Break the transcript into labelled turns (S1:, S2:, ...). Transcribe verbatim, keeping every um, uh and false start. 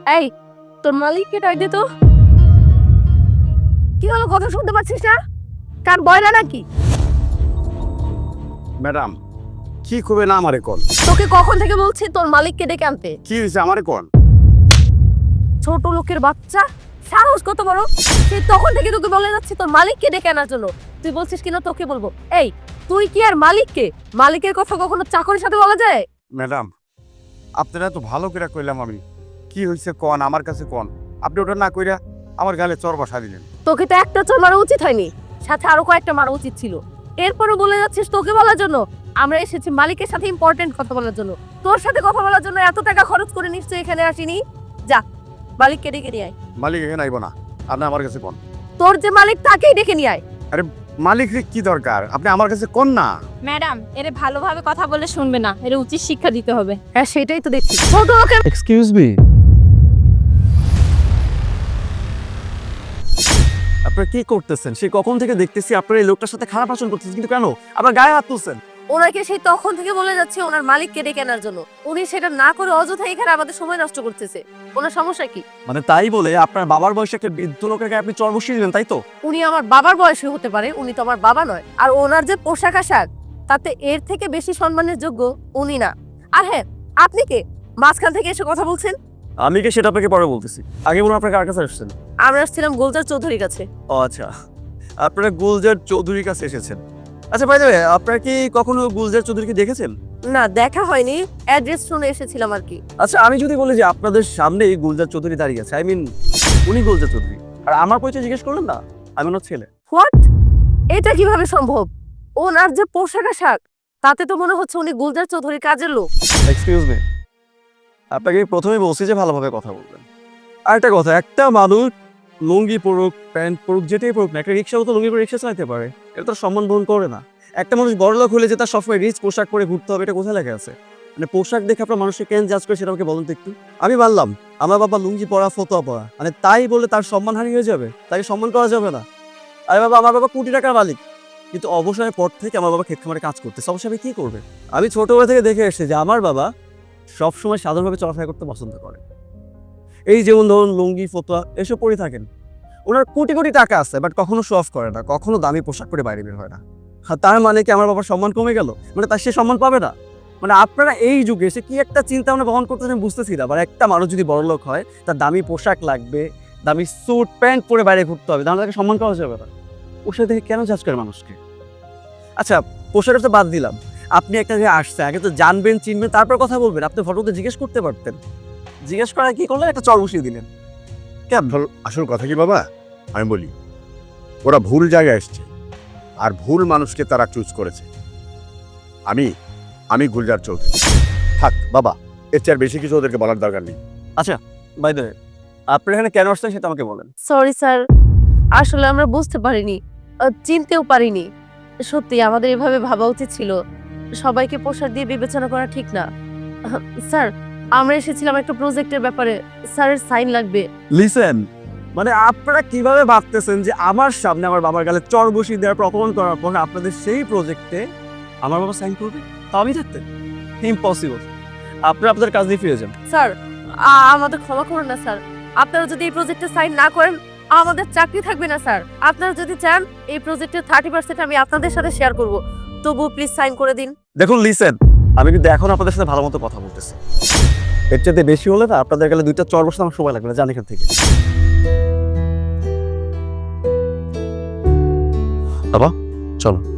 S1: এই তোর মালিককে ডাক দে তো। কি হলো, কথা শুনতে পাচ্ছিস না? কান বয়রা নাকি?
S2: ম্যাডাম কি করবে না আমারে কোন?
S1: তোকে কখন থেকে বলছি তোর মালিককে ডেকে আনতে?
S2: কি হয়েছে আমারে কোন?
S1: ছোট লোকের বাচ্চা, সাহস কত বড়! সে তখন থেকে তোকে বলে যাচ্ছে তোর মালিককে ডেকে আনার জন্য, তুই বলছিস কিনা তোকে বলবো? এই তুই কি আর মালিককে, মালিকের কথা কখনো চাকরের সাথে বলা যায়?
S2: ম্যাডাম আপনারা তো ভালো করে কইলাম আমি, কি হয়েছে কোন আমার কাছে কোন? আপনি ওটা না কইরা আমার গালে চর বসা দিলেন।
S1: তোকে তো একটা চোর মারা উচিত হয়নি, সাথে আরো কয়েকটা মারা উচিত ছিল। এরপরও বলে যাচ্ছিস তোকে বলার জন্য? আমরা এসেছি মালিকের সাথে ইম্পর্টেন্ট কথা বলার জন্য, তোর সাথে কথা বলার জন্য এত টাকা খরচ করে নিশ্চয়ই এখানে আসিনি। যা মালিককে ডেকে নিয়ে আয়।
S2: মালিক এখানে আইব না, আপনি আমার কাছে কোন।
S1: তোর যে মালিক তাকেই ডেকে নিয়ে আয়।
S2: আরে মালিকের কি দরকার, আপনি আমার কাছে কোন না।
S3: ম্যাডাম এরে ভালোভাবে কথা বলে শুনবে না, এর উচিত শিক্ষা দিতে হবে।
S1: হ্যাঁ সেটাই তো দেখছি। ছোট লোকের
S4: এক্সকিউজ মি, আপনারা কি করতেছেন? সে কখন থেকে দেখতেছি আপনারা এই লোকটার সাথে খারাপ আচরণ করতেছেন, কিন্তু কেন আপনার গায়ে হাত তুলছেন?
S1: ওনাকে সেই তখন থেকে বলে যাচ্ছে ওনার মালিককে ডেকে আনার জন্য, উনি সেটা না করে অযথা এখানে আমাদের সময় নষ্ট করতেছে। ওনার সমস্যা কি?
S4: মানে তাই বলে আপনার বাবার বয়সে একটা বৃদ্ধ লোকের গায়ে আপনি চর বসিয়ে দিলেন, তাই তো?
S1: উনি আমার বাবার বয়সী হতে পারে, উনি তো আমার বাবা নয়। আর ওনার যে পোশাক আশাক, তাতে এর থেকে বেশি সম্মানের যোগ্য উনি না। আর হ্যাঁ, আপনি কে মাঝখান থেকে এসে কথা বলছেন?
S4: আমি কি সেটা আপনাকে পরে বলতেছি, আগে বলুন আপনার কার কাছে আসছেন?
S1: আমরা আসছিলাম গোলজার চৌধুরীর কাছে।
S4: ও আচ্ছা, আপনারা গুলজার চৌধুরীর কাছে এসেছেন। আচ্ছা ভাই দেবে, আপনারা কি কখনো গুলজার চৌধুরীকে দেখেছেন?
S1: না, দেখা হয়নি, অ্যাড্রেস শুনে এসেছিলাম আর কি।
S4: আচ্ছা আমি যদি বলি যে আপনাদের সামনেই গুলজার চৌধুরী দাঁড়িয়ে আছে, আই মিন উনি গুলজার চৌধুরী, আর আমার পরিচয় জিজ্ঞেস করলেন না, আমি ওনার ছেলে।
S1: হোয়াট? এটা কিভাবে সম্ভব? ওনার যে পোশাক আশাক, তাতে তো মনে হচ্ছে উনি গুলজার চৌধুরীর কাজের লোক।
S4: এক্সকিউজ মি, আপনাকে প্রথমে বলছি যে ভালোভাবে কথা বলবেন। আর একটা কথা, একটা মানুষ লুঙ্গি পরুক, প্যান্ট পরুক, যেটাই পরুক না, একটা রিক্সাও তো লুঙ্গি পরে রিক্সা চালাতে পারে, এটা তো সম্মান বহন করে না। একটা মানুষ বড়লোক হলে যে তার সবসময় রিচ পোশাক পরে ঘুরতে হবে, এটা কোথায় লেখা আছে? মানে পোশাক দেখে আপনার মানুষকে কেন জাজ করে সেটা আমাকে বলুন তো একটু। আমি মানলাম আমার বাবা লুঙ্গি পরা, ফতোয়া পরা, মানে তাই বলে তার সম্মানহানি হয়ে যাবে? তাকে সম্মান করা যাবে না? আরে বাবা, আমার বাবা কোটি টাকার মালিক, কিন্তু অবসরের পর থেকে আমার বাবা ক্ষেত খামারে কাজ করতে, অবশ্যই আমি কি করবে? আমি ছোটবেলা থেকে দেখে এসেছি যে আমার বাবা সবসময় সাধারণভাবে চলাফেরা করতে পছন্দ করে। এই যেমন ধরুন লুঙ্গি, ফতোয়া এসব পরে থাকেন। ওনার কোটি কোটি টাকা আছে, বাট কখনো শো অফ করে না, কখনো দামি পোশাক পরে বাইরে বের হয় না। আর তার মানে কি আমার বাবার সম্মান কমে গেল? মানে তার সে সম্মান পাবে না? মানে আপনারা এই যুগে এসে কি একটা চিন্তা ভাবনা বহন করতেছেন বুঝতেছি না। মানে একটা মানুষ যদি বড়লোক হয়, তার দামি পোশাক লাগবে, দামি স্যুট প্যান্ট পরে বাইরে ঘুরতে হবে, তাহলে তাকে সম্মান করা যাবে না। ওর সাথে কেন জাজ করে মানুষকে? আচ্ছা পোশাকটা তো বাদ দিলাম, আপনি একটা যে আসছে আগে তো জানবেন চিনবেন তারপর কথা বলবেন। আপনি ফটোতে জিজ্ঞেস করতে পারতেন, জিজ্ঞেস করা কি করলেন? একটা চর বসিয়ে দিলেন কেন?
S2: আসল- আসল কথা কি বাবা, আমি বলি ওরা ভুল জায়গায় এসছে, আর ভুল মানুষকে তারা চুজ করেছে। আমি আমি গুলজার চৌধুরী। থাক বাবা, এর চেয়ে আর বেশি কিছু ওদেরকে বলার দরকার নেই।
S4: আচ্ছা বাই দ্য ওয়ে, আপনি এখানে কেন আসছেন সেটা আমাকে বলেন।
S1: সরি স্যার, আসলে আমরা বুঝতে পারিনি, আহ, চিনতেও পারিনি। সত্যি আমাদের এভাবে ভাবা উচিত ছিল, সবাইকে পোশাক দিয়ে বিবেচনা করা ঠিক না। আহ, স্যার, আমরা এসেছিলাম একটা প্রজেক্টের ব্যাপারে, স্যারের সাইন লাগবে।
S4: লিসেন, মানে আপনারা কিভাবে ভাবতেছেন যে আমার সামনে আমার বাবার গালে চর বসিয়ে দেওয়ার পর অপমান করার পর আপনাদের সেই প্রজেক্টে আমার বাবা সাইন করবে? তা আমি থাকতে ইম্পসিবল। আপনারা আপনাদের কাজ দিয়ে ফিরে যান।
S1: স্যার, আ- আমাদের ক্ষমা করুন না স্যার, আপনারা যদি এই প্রজেক্টে সাইন না করেন আমাদের চাকরি থাকবে না স্যার। আপনারা যদি চান এই প্রজেক্টের থার্টি পার্সেন্ট আমি আপনাদের সাথে শেয়ার করব, তবুও প্লিজ সাইন করে দিন।
S4: দেখুন লিসেন, আমি কিন্তু এখন আপনাদের সাথে ভালো মতো কথা বলতেছি, এর চাইতে বেশি হলে না আপনাদের গেলে দুইটা চর বসতে আমার সময় লাগবে না, জান এখান থেকে। বাবা চলো।